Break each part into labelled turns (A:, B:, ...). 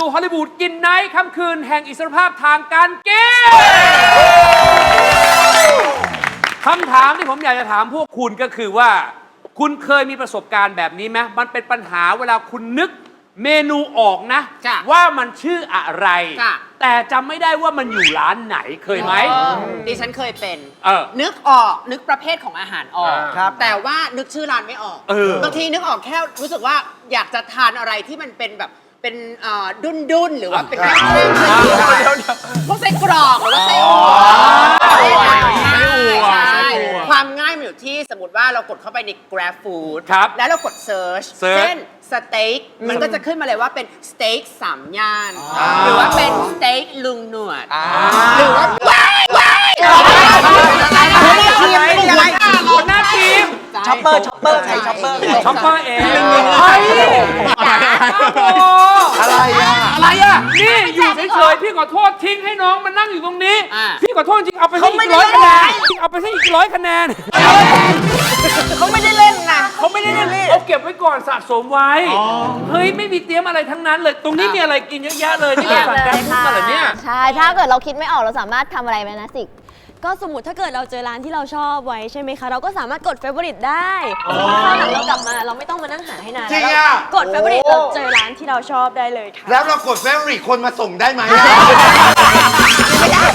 A: สู่ฮอลลีวูดกินไนท์ค่ำคืนแห่งอิสรภาพทางการกินคำถามที่ผมอยากจะถามพวกคุณก็คือว่าคุณเคยมีประสบการณ์แบบนี้ไหมมันเป็นปัญหาเวลาคุณนึกเมนูออกนะว่ามันชื่ออะไรแต่จำไม่ได้ว่ามันอยู่ร้านไหนเคยไหม
B: ดิฉันเคยเป็นนึกออกนึกประเภทของอาหารออกแต่ว่านึกชื่อร้านไม่ออกบางทีนึกออกแค่รู้สึกว่าอยากจะทานอะไรที่มันเป็นแบบเป็นดุนหรือว่าเป็นแห้งๆพวกไส้กรอกหรือว่าไส้อั่วความง่ายมันอยู่ที่สมมติว่าเรากดเข้าไปใน Grab Food แล้วเรากด Search เช่นสเต็กมันก็จะขึ้นมาเลยว่าเป็นสเต็ก3 ย่านหรือว่าเป็นสเต็กลุงหนวดหรือว่า
A: หัวหน้าทีม
C: ช็อปเปอร์ใครช็อปเปอร์
A: เองเฮ้ยอะไรอ่ะนี่อยู่เฉยๆพี่ขอโทษทิ้งให้น้องมานั่งอยู่ตรงนี้พี่ขอโทษจริงเอาไปให้อีก100 คะแนนเอาไปให้อีก100 คะแนน
C: เขาไม่ได้เล่นนะ
A: เขาไม่ได้เล่นเอาเก็บไว้ก่อนสะสมไว้เฮ้ยไม่มีเตรียมอะไรทั้งนั้นเลยตรงนี้มีอะไรกินเยอะแยะเลยนี่เราสั่งแกร็บฟู้ดมาเหรอเนี่ย
D: ใช่ถ้าเกิดเราคิดไม่ออกเราสามารถทำอะไรไหมนะสิ
E: ก็สมมติถ้าเกิดเราเจอร้านที่เราชอบไว้ใช่ไหมคะเราก็สามารถกด favorite ได้คราวหลังเรากลับมาเราไม่ต้องมานั่งหาให้นาน
F: จริงอ่ะ
E: กด favorite เราเจอร้านที่เราชอบได้เลยค่ะ
F: แล้วเรากด favorite คนมาส่งได้ไหม
C: ไม่ได้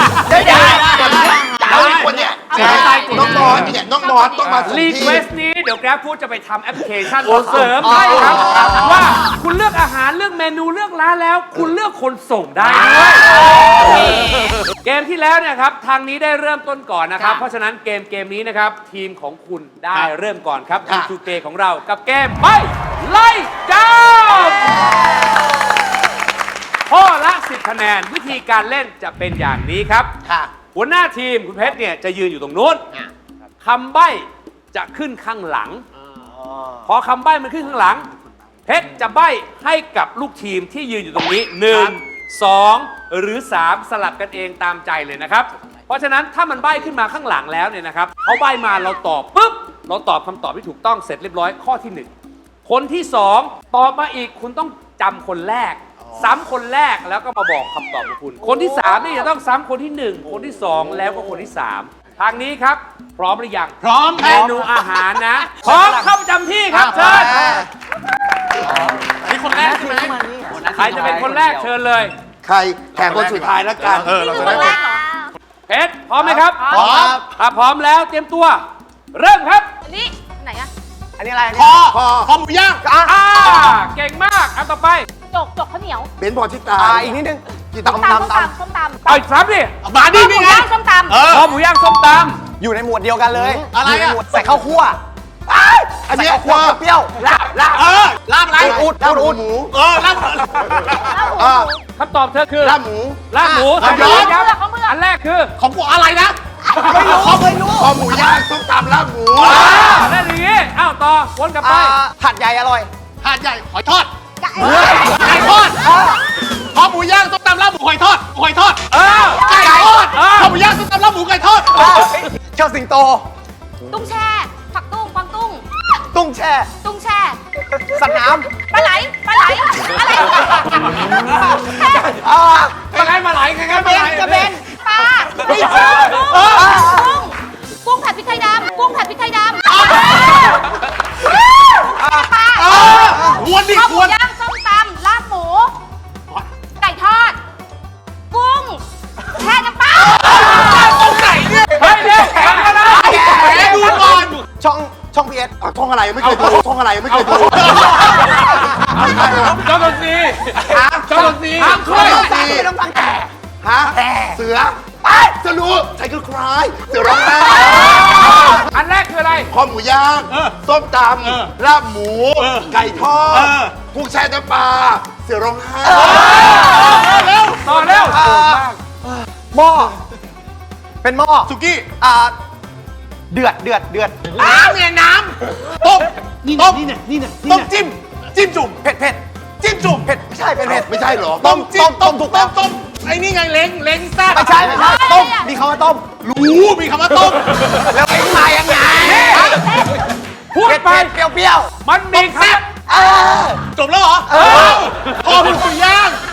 F: แล้วคนเนี้ยน้องมอสเนี่ยน้องมอสต้องมาส่งที่
A: รีเควสนี้เดี๋ยว Grab Food จะไปทำแอปพลิเคชันเสริมให้ครับว่าคุณเลือกอาหารเลือกเมนูเลือกร้านแล้วคุณเลือกคนส่งได้ด้วยเกมที่แล้วเนี่ยครับทางนี้ได้เริ่มต้นก่อนนะครับเพราะฉะนั้นเกมนี้นะครับทีมของคุณได้เริ่มก่อนครับทีมทูเกของเรากับเกมไม่ไล่จับข้อละ10 คะแนนวิธีการเล่นจะเป็นอย่างนี้ครับหัวหน้าทีมคุณเพชรเนี่ยจะยืนอยู่ตรงนู้นคำใบ้จะขึ้นข้างหลังพอคำใบ้มันขึ้นข้างหลังเพชรจะใบ้ให้กับลูกทีมที่ยืนอยู่ตรงนี้1 2 หรือ 3 สลับกันเองตามใจเลยนะครับเพราะฉะนั้นถ้ามันใบ้ขึ้นมาข้างหลังแล้วเนี่ยนะครับเขาใบ้มาเราตอบปุ๊บเราตอบคำตอบที่ถูกต้องเสร็จเรียบร้อยข้อที่1คนที่2ตอบมาอีกคุณต้องจำคนแรกซ้ำคนแรกแล้วก็มาบอกคำตอบของคุณคนที่3นี่จะต้องซ้ำคนที่1คนที่2แล้วก็คนที่3ทางนี้ครับพร้อมหรือยัง
F: พร้อม
A: เมนูอาหารนะพร้อมเข้าประจำที่ครับเชิญนี่คนแรกใช่ไหมใครจะเป็นคนแรกเชิญเลย
F: ใครแข่งคนสุดท้ายแล้วกัน
D: นี่คือคนแรกเหรอ
A: เพชรพร้อมไหมครับ
F: พร้อม
A: ถ้าพร้อมแล้วเตรียมตัวเริ่มครับ
D: อันนี้ไหนอะ
C: อันนี้อะไร
F: คอหมูย่าง
A: เก่งมากอันต่อไป
D: จกข้าวเหนียว
F: เบนพอชิตา
C: อีกนิดนึง
D: ส้มตำ
A: เอาอีก3ดิ
F: มาดิ
D: หมูย่างส้มตำ
A: คอหมูย่างส้มต
C: ำอยู่ในหมวดเดียวกันเลย
F: อะไรอะ
C: ใส่ข้าวคั่ว
F: อันนี้
C: คั่วเปรี้ยวลาบอะไรอุดหมู
F: ลาบ
A: คำตอบเธอคือ
F: ลาบหมู
A: อันแรกคือ
F: ของกูอะไรนะไม่รู้คอหมูย่างส้มตำลาบหมู
A: นั่นอย่างนี้อ้าวต่อวนกลับไป
C: หัดใหญ่อร่อย
F: หาดใหญ่หอยทอดไก่ทอดคอหมูย่างส้มตำลาบหมูหอยทอดไก่ทอดคอหมูย่างส้มตำลาบหมูไก่ทอด
C: เจ้าสิงโต
D: ตุ้งแช่ผักตุ้งกวางตุ้ง
C: ตุ้งแช่สัตว์น้
D: ำปลาไหลอะไร
A: ปลาไหลใครกันปลาไหล
D: กระเบนปลากุ้งผัดพริกไทยดำ
F: วนดิ
D: ข้าวหมูย่างส้มตำลาบหมูไก่ทอดกุ้งแช่น้ำปลา
F: ตรงไหนเนี่ย
A: เฮ้ยเร็วแข่งกันนะ
F: ดูก่อน
C: ช่องพีเอส
F: ช่องอะไรไม่เคยดูช่องอะไรไม่เคยดู
A: เจ้าตัวซี
C: ไม่ต้องฟังแต่
F: เสือจะรู้ใครคือใครเสือร้องไห้
A: อันแรกคืออะไร
F: คอหมูย่างส้มตำลาบหมูไก่ทอดกุ้งแช่น้ำปลาเสือร้องไห้
A: ต่อเร็ว
C: หม้อเป็นหม้อ
F: สุกี้
C: เดือด
F: เนี่ยน้ำต้มต้มจิ้มจุ่มเผ็ดจิ้มจุ่ม
C: เผ็ดไม่ใช่เป็นเผ็ด
F: ไม่ใช่หรอ
C: ต้มถูก
F: ต้มไอ้นี่ไงเล้งซ่า
C: ไม่ใช่ต้มมีคำว่าต้ม
F: รู้มีคำว่าต้ม
C: แล้วไอ้มายังไง
A: พูดไป
C: เปรี้ยว
A: มันมีครับ
F: จบแล้วเหรอคอหมูย่าง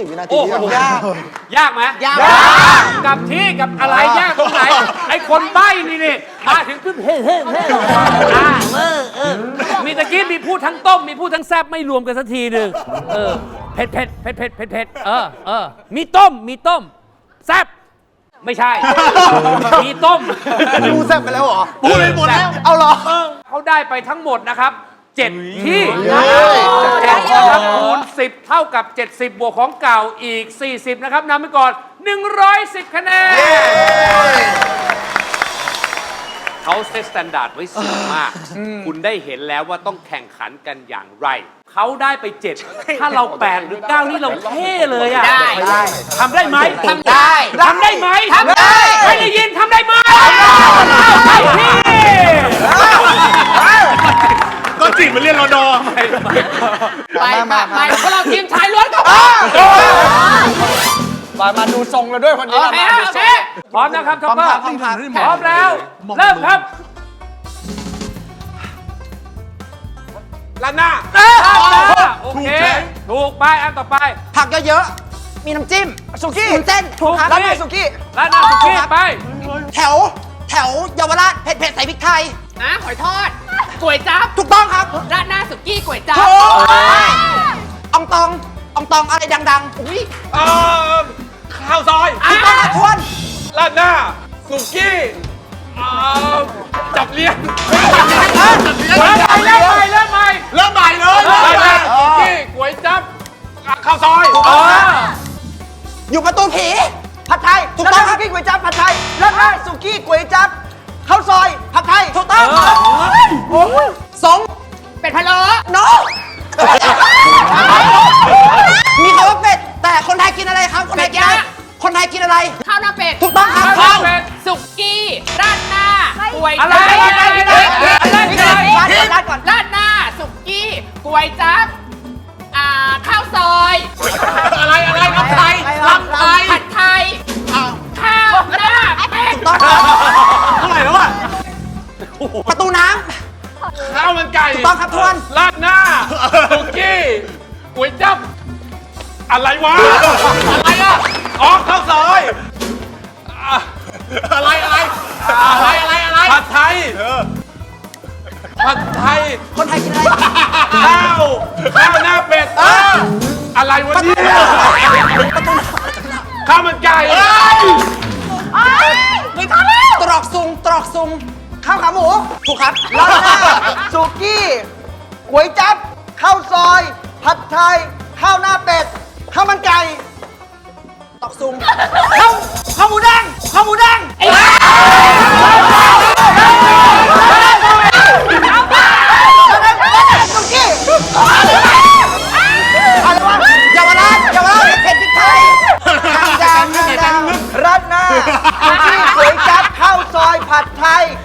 C: 20 วินาที
A: โอ้โห
C: ยาก
A: ยากไหม
B: ยาก
A: กับที่กับอะไรยากตรงไหน ไอ้คนใบ้นี่มาถึงปุ๊บเฮ้มีตะกี้มีพูดทั้งต้ม มีพูดทั้งแซ่บไม่รวมกันสักทีหนึ่งเผ็ดมีต้มแซ่บไม่ใช่ มีต้ม
C: ดูแซ่บไปแล้วเหรอ
F: พูดไปหมดแล้ว
C: เอาเหรอ
A: เขาได้ไปทั้งหมดนะครับ 7 ที่
C: เย้
A: 7นะครับคูณ 10 เท่ากับ 70 บวกของเก่าอีก 40 นะครับนำไปก่อน 110 คะแนน เขาเซตสแตนดาร์ดไว้สูงมาก คุณได้เห็นแล้วว่าต้องแข่งขันกันอย่างไร เขาได้ไป 7 ถ้าเรา 8 หรือ 9 นี่เราเท่เลยอ่ะ
B: ได้
A: ทำได้ไหม
B: ทำได้
A: ทำได้ไหม
B: ทำได้
A: ไม่ได้ยินทำได้ไหมใช่พี่
F: ก็จีบมันเรียนรอดอ
B: ไปไปพวกเราทีมชายล้วนครับ
C: มาดูทรงแล้วด้วยคนนี้
B: โอเคโอเค
A: พร้อมนะครับท็อปเปอร์
C: พร้อมครับ
A: พร้อมแล้ว เริ่มครับ
F: ล้านหน้า
A: โอเค ถูกไปอันต่อไป
B: ผักเยอะๆ มีน้ำจิ้ม สุกี้เส้น
A: ถูก
B: ครับ
A: ครับ
B: ร้านสุกี้
A: ร้านหน้าสุกี้ไป
B: แถวเยาวราชเผ็ดใส่พริกไทยหอยทอดก๋วยจั๊บถูกต้องครับร้านหน้าสุกี้ก๋วยจั๊บอองตองอะไรดังๆอุ้ย
F: ข้าวซอย
B: ถูกต้องครับทวน
F: ล้านหน้า สุกี้จับเลี้ยง
A: เริ่มใหม่
F: เริ่มใหม่เลยล้านหน้า สุกี้ก๋วยจั๊บข้าวซอย
B: อยู่ประตูผีผัดไทยถูกต้องครับสุกี้ก๋วยจั๊บผัดไทยร้านหน้าสุกี้ก๋วยจั๊บข้าวซอยผัดไทยถูกต้องครับสงเป็ดพะโล้โนมีคำว่าเป็ดแต่คนไทยกินอะไรครับคนไทยกินอะไรคนไทยกินอะไรข้าวหน้าเป็ดถูกต้องครับ
A: ข้าวเป็ด
B: สุกี้ราดหน้าก๋วย
A: อะไร
B: จั๊บ
A: อะไร
B: ก่อนราดหน้าสุกี้ก๋วยจั๊บข้าวซอย
F: อะไรลำไทย
B: ผัดไทยข้าวหน้าเป็ด
F: เท่าไหร่แล้วอ่ะ
B: ประตูน้
F: ข้าวมันไก่
B: ถูกต้องครับทวน
F: ราดหน้า สุกี้ก๋วยจั๊บอะไรวะ อะไรอ่ะอ๋อข้าวซอยอะไรผัดไทย
B: ำคนไทยกินอะไร
F: ข้าวหน้าเป็ดอะไรวะเนี่ยข้าวมันไก่
B: ไม่ทันแล้วตรอกซุงข้าวขาหมูถูกครับราดหน้าสุกี้ก๋วยจั๊บข้าวซอยผัดไทยข้าวหน้าเป็ดข้าวมันไก่ตอกซุงข้าวหมูแดงสุกี้อะไรวะเยาวราชเผ็ดพริกไทยดังราดหน้าสุกี้ก๋วยจั๊บข้าวซอยผัดไทย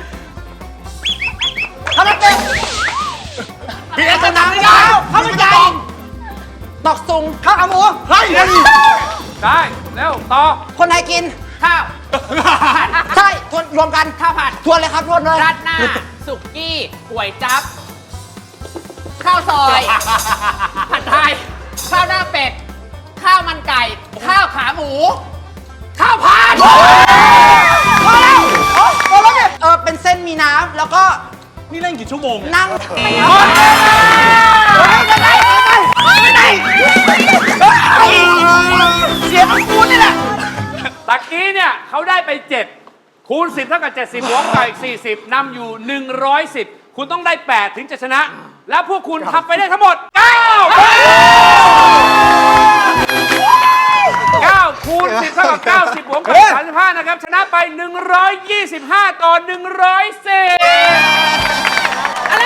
B: ข้าวมันเป็ด
F: พี่เอสนาไม่
B: ข้า
F: ได้
B: วมันไก่ตอกซุงข้าวขาหมู
F: เฮ้ย
A: ได้เร็วต่อ
B: คนไทยกินข้าวใช่ทวนรวมกันข้าวผัดทวนเลยครับทวนเลยราดหน้าสุกี้ก๋วยจั๊บข้าวซอยผัดไทยข้าวหน้าเป็ดข้าวมันไก่ข้าวขาหมูข้าวผัดพอแล้วเนี่ยเป็นเส้นมีน้ำแล้วก็
F: นี่เล่นกี่ชั่วโมง
B: นั่งเสียงของกูนี่แหละ
A: ตะกี้เนี่ยเขาได้ไป 7 คูณ 10 เท่ากับ 70 บวกกับอีก 40 นำอยู่ 110 คุณต้องได้ 8 ถึงจะชนะ และพวกคุณทำไปได้ทั้งหมด 9 คูณ 10 เท่ากับ 90 บวกกับ35 นะครับ ชนะไป 125 ต่อ 110
B: อะไร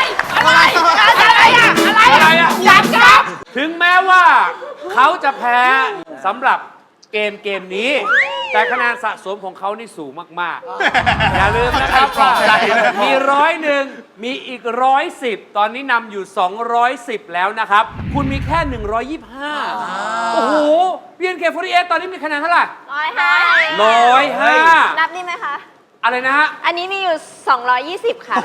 B: อ่ะจับ
A: ถึงแม้ว่าเขาจะแพ้สำหรับเกมนี้ แต่คะแนนสะสมของเขานี่สูงมาก ๆ อย่าลืมนะครับว่ามี101 มีอีก110 ตอนนี้นำอยู่ 210 แล้วนะครับ คุณมีแค่ 125 โอ้โห BNK48 ตอนนี้มีคะแนนเท่าไหร่ 105
E: นับนี่ไหมคะ
A: อะไรนะฮะ
E: อันนี้มีอยู่ 220 ค่ะ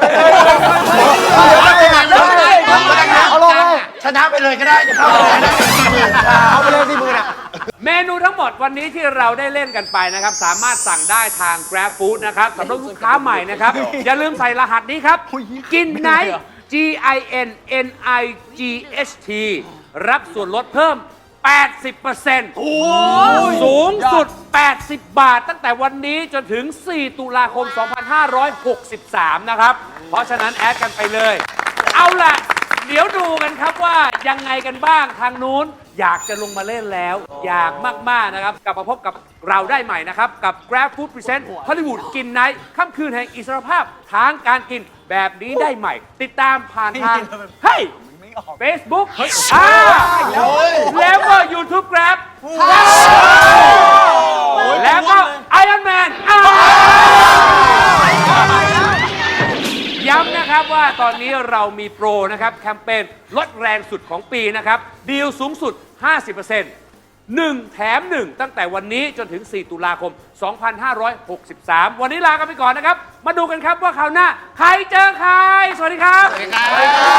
C: เอาลงเลยชนะไปเลยก็ได้จะเข้าไปเลยนะเอาไปเลยที่มือน่ะ
A: เมนูทั้งหมดวันนี้ที่เราได้เล่นกันไปนะครับ สามารถสั่งได้ทาง Grab Food นะครับสำหรับลูกค้าใหม่นะครับ อย่าลืมใส่รหัสนี้ครับ กินไนท์ GINNIGHT รับส่วนลดเพิ่ม 80% สูงสุด 80 บาท ตั้งแต่วันนี้จนถึง 4 ตุลาคม 2563 นะครับ เพราะฉะนั้นแอดกันไปเลย เอาล่ะ เดี๋ยวดูกันครับว่ายังไงกันบ้างทางนู้นอยากจะลงมาเล่นแล้ว อยากมาก ๆ นะครับ กลับมาพบกับเราได้ใหม่นะครับ กับ Grab Food Present Hollywood กินไนท์ค่ำคืนแห่งอิสรภาพทางการกินแบบนี้ได้ใหม่ ติดตามผ่านทางเฮ้ย Facebook แล้วก็ YouTube Grab แล้วก็ Iron Man ย้ำนะครับว่าตอนนี้เรามีโปรนะครับแคมเปญลดแรงสุดของปีนะครับดีลสูงสุด 50% 1 แถม 1 ตั้งแต่วันนี้จนถึง 4 ตุลาคม 2563 วันนี้ลากันไปก่อนนะครับ มาดูกันครับว่าคราวหน้าใครเจอใคร สวัสดีครับ